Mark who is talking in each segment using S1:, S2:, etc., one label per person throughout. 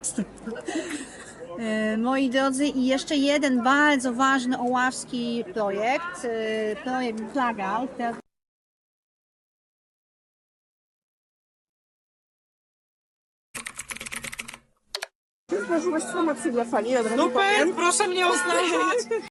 S1: Moi drodzy, i jeszcze jeden bardzo ważny oławski projekt, projekt Flaga.
S2: Złożyłaś promocję dla Pani, od razu
S3: Super,
S2: powiem.
S3: proszę mnie oznaczyć.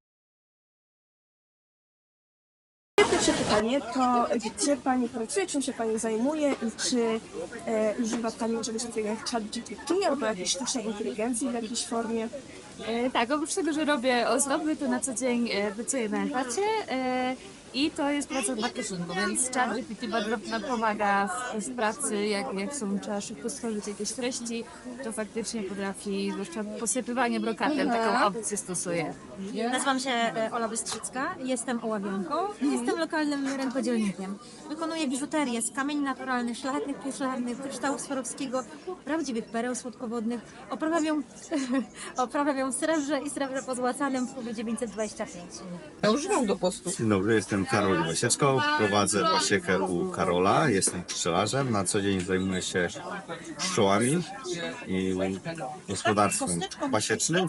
S2: Pierwsze pytanie to, gdzie Pani pracuje, czym się Pani zajmuje i czy używa Pani czegoś takiego jak ChatGPT albo jakiejś sztucznej inteligencji w jakiejś formie?
S4: Tak, oprócz tego, że robię ozdoby, to na co dzień pracuję na etacie i to jest praca w marketingu, więc ChatGPT bardzo nam pomaga w pracy, jak trzeba szybko stworzyć jakieś treści, to faktycznie potrafi, zwłaszcza posypywanie brokatem, taką opcję stosuje.
S5: Nazywam się Ola Bystrzycka, jestem oławianką, jestem lokalnym rękodzielnikiem. Wykonuję biżuterię z kamieni naturalnych, szlachetnych, półszlachetnych, kryształu Swarowskiego, prawdziwych pereł słodkowodnych. Oprawiam ją w srebrze i srebrze pozłacanym w próbie 925.
S3: Ja używam do postu.
S6: Dzień dobry, jestem Karol Wasieczko, prowadzę pasiekę u Karola, jestem pszczelarzem, na co dzień zajmuję się pszczołami i gospodarstwem pasiecznym.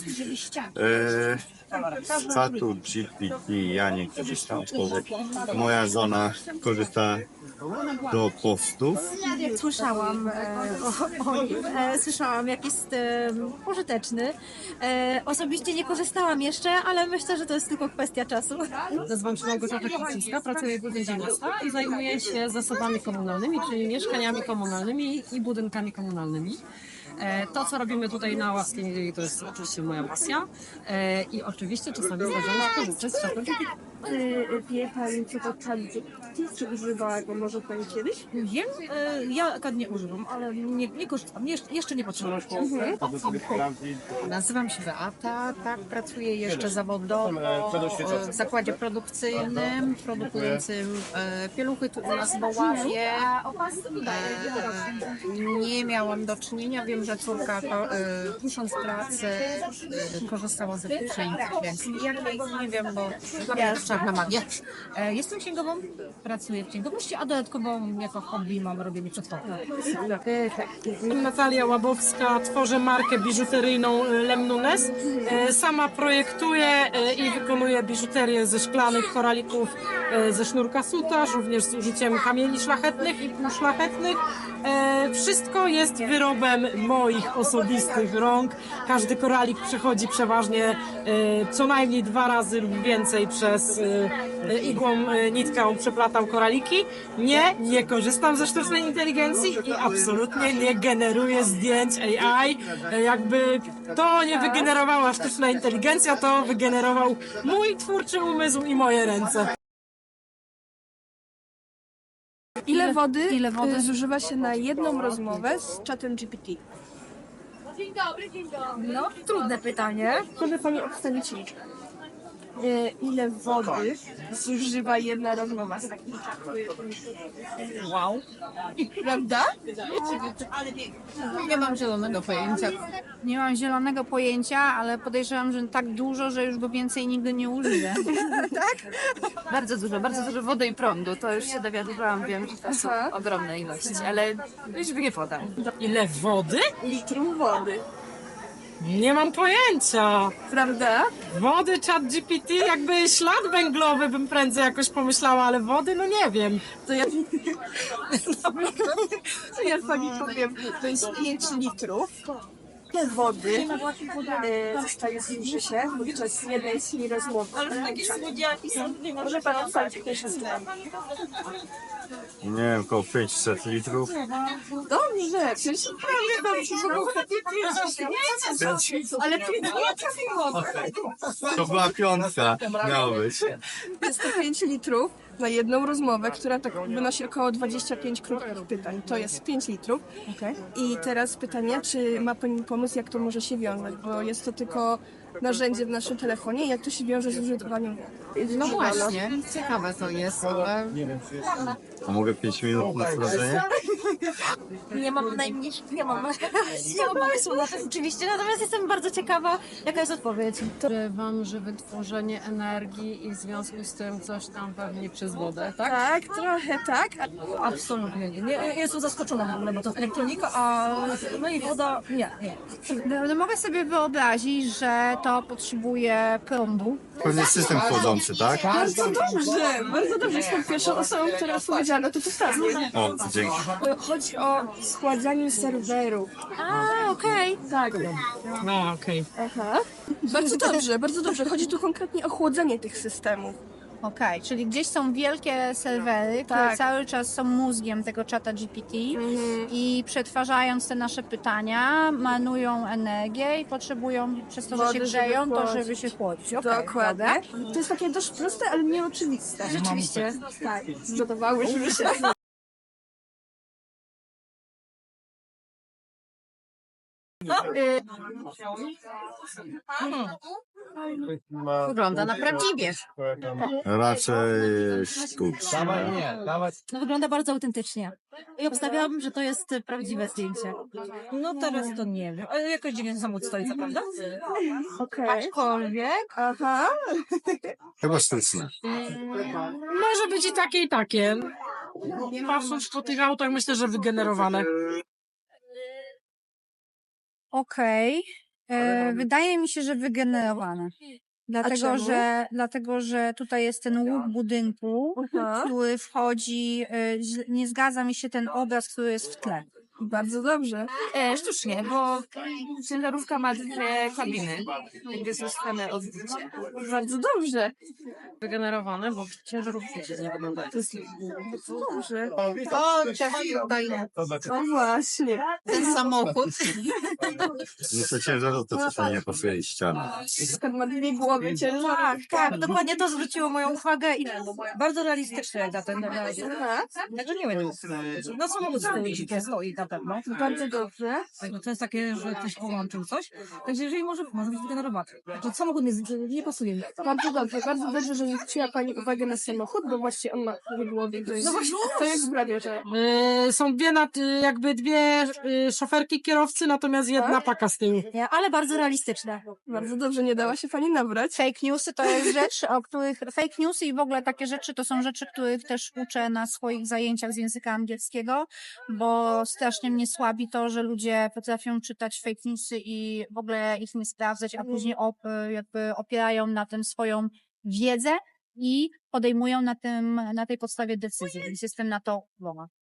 S6: Z czatu GPT ja nie korzystam, moja żona korzysta do postów.
S5: Słyszałam o nim, słyszałam jak jest pożyteczny. Osobiście nie korzystałam jeszcze, ale myślę, że to jest tylko kwestia czasu.
S7: Nazywam się Małgorzata Kicińska, pracuję w Urzędzie Miasta i zajmuję się zasobami komunalnymi, czyli mieszkaniami komunalnymi i budynkami komunalnymi. To, co robimy tutaj na Ławskiej Niedzieli, to jest oczywiście moja pasja i oczywiście czasami zdarza mi się korzystać z czatu.
S2: Wie Pani, co to ChatGPT? Czy używała go może Pani kiedyś?
S7: Wiem, ja akurat nie używam, ale nie korzystam, jeszcze nie potrzebuję.
S8: Nazywam się Beata, tak, pracuję jeszcze zawodowo w zakładzie produkcyjnym, produkującym pieluchy tu u nas w Oławie. Nie miałam do czynienia, wiem, że córka pisząc pracę korzystała ze sztucznej inteligencji. Ja nie wiem, bo dla mnie to czarna magia. Jestem księgową, pracuję w księgowości, a dodatkowo jako hobby mam robienie przedpokładu.
S3: Natalia Łabowska, tworzę markę biżuteryjną Lemnunes. Sama projektuję i wykonuję biżuterię ze szklanych koralików ze sznurka sutaż, również z użyciem kamieni szlachetnych i półszlachetnych. Wszystko jest wyrobem moich osobistych rąk. Każdy koralik przechodzi przeważnie co najmniej 2 razy lub więcej przez igłą, nitką przeplatam koraliki. Nie korzystam ze sztucznej inteligencji i absolutnie nie generuję zdjęć AI. Jakby to nie wygenerowała sztuczna inteligencja, to wygenerował mój twórczy umysł i moje ręce.
S2: Ile wody zużywa się na jedną rozmowę z czatem GPT?
S5: No, trudne pytanie.
S2: Może Pani obstawić liczbę. Ile wody zużywa jedna rozmowa z takim czatem?
S8: Wow.
S2: Prawda?
S8: Nie mam zielonego pojęcia.
S1: Nie mam zielonego pojęcia, ale podejrzewam, że tak dużo, że już go więcej nigdy nie użyję.
S4: Bardzo dużo wody i prądu, to już się dowiadywałam, wiem, że to są ogromne ilości, ale już nie podam.
S3: Ile wody?
S2: Litrów wody.
S3: Nie mam pojęcia.
S2: Prawda?
S3: Wody, ChatGPT, jakby ślad węglowy bym prędzej jakoś pomyślała, ale wody, no nie wiem.
S2: To ja Pani powiem, to jest 5 litrów. Ile wody zostaje zużycie podczas jednej rozmowy? Ale takie słodziaki są. Może Pan obstawić pierwsze zdanie.
S6: Nie wiem, około 500 litrów.
S2: Dobrze, przecież prawie ale ty nie trafiło.
S6: To była piątka, miało być.
S2: Jest to 5 litrów na jedną rozmowę, która tak wynosi około 25 krótkich pytań. To jest 5 litrów. I teraz pytanie, czy ma Pani pomysł, jak to może się wiązać, bo jest to tylko narzędzie w naszym telefonie i jak to się wiąże z użytkowaniem.
S8: No właśnie, ciekawe to jest.
S6: A mogę 5 minut na wrażenie?
S5: Nie mam nie mam pomysłu na to oczywiście, natomiast jestem bardzo ciekawa, jaka jest odpowiedź.
S7: Podejrzewam, że wytworzenie energii i w związku z tym coś tam pewnie przez wodę, tak?
S2: Tak, trochę tak.
S9: Absolutnie nie. Nie, jestem zaskoczona w ogóle, bo to elektronika, a no i woda nie.
S1: No, mogę sobie wyobrazić, że to potrzebuje prądu.
S6: Pewnie system chłodzący, tak?
S2: Bardzo dobrze. Jestem pierwszą osobą, która odpowiedziała na to pytanie.
S6: O, dzięki.
S2: Chodzi o schładzanie serwerów.
S5: A, okej.
S2: Tak.
S3: No, okej.
S2: Aha. Bardzo dobrze. Chodzi tu konkretnie o chłodzenie tych systemów.
S1: Okej, czyli gdzieś są wielkie serwery, które
S2: Tak.
S1: cały czas są mózgiem tego czata GPT i przetwarzając te nasze pytania, marnują energię i potrzebują przez to, że
S2: Wody,
S1: się
S2: żeby
S1: grzeją, to
S2: chłodzić.
S1: żeby się chłodzić. Okej,
S2: Dokładnie. To jest takie dość proste, ale nieoczywiste.
S5: Rzeczywiście.
S2: Tak. Zgotowałyśmy się.
S8: Wygląda na prawdziwie.
S6: Raczej sztucznie.
S5: No, wygląda bardzo autentycznie. I obstawiałabym, że to jest prawdziwe zdjęcie.
S9: No teraz to nie wiem. Ale jakoś dziwnie samochód stoi, co prawda?
S2: Okej.
S9: Aczkolwiek
S2: Aha.
S6: Chyba sztuczne.
S3: Może być i takie, i takie. Patrząc po tych autach, myślę, że wygenerowane.
S1: Okej. Wydaje mi się, że wygenerowane.
S2: czemu?
S1: Dlatego, że tutaj jest ten łuk budynku,
S2: Aha.
S1: który wchodzi, nie zgadza mi się ten obraz, który jest w tle.
S2: Bardzo dobrze.
S9: sztucznie, bo ciężarówka ma dwie kabiny, gdzie są same odbicie.
S2: Bardzo dobrze.
S3: Wygenerowane, bo ciężarówki się nie wyglądają.
S2: Dobrze.
S8: O, tutaj
S2: No właśnie.
S8: ten samochód.
S6: No to ciężarówka czasami nie pasuje i ściana.
S2: Skąd ma dwie głowy ciężarówka.
S5: Tak, dokładnie to zwróciło moją uwagę i
S9: Bardzo realistyczne jak na ten
S2: Aha.
S9: Także nie wiem. No samochód stoi na pewno.
S2: Bardzo dobrze.
S9: Tak, no to jest takie, że ktoś połączył coś. Także jeżeli może być wygenerowany. Że samochód nie pasuje mi.
S2: Bardzo dobrze, że zwróciła Pani uwagę na samochód, bo właśnie on ma w głowie. To jest prawie, że...
S3: Są jakby dwie szoferki kierowcy, natomiast jedna paka z tyłu.
S5: ale bardzo realistyczne.
S2: Bardzo dobrze, nie dała się Pani nabrać.
S1: Fake newsy to jest rzecz, o których... Fake newsy i w ogóle takie rzeczy to są rzeczy, których też uczę na swoich zajęciach z języka angielskiego, bo strasznie mnie słabi to, że ludzie potrafią czytać fake newsy i w ogóle ich nie sprawdzać, a później jakby opierają na tym swoją wiedzę i podejmują na tej podstawie decyzje, więc jestem na to zła.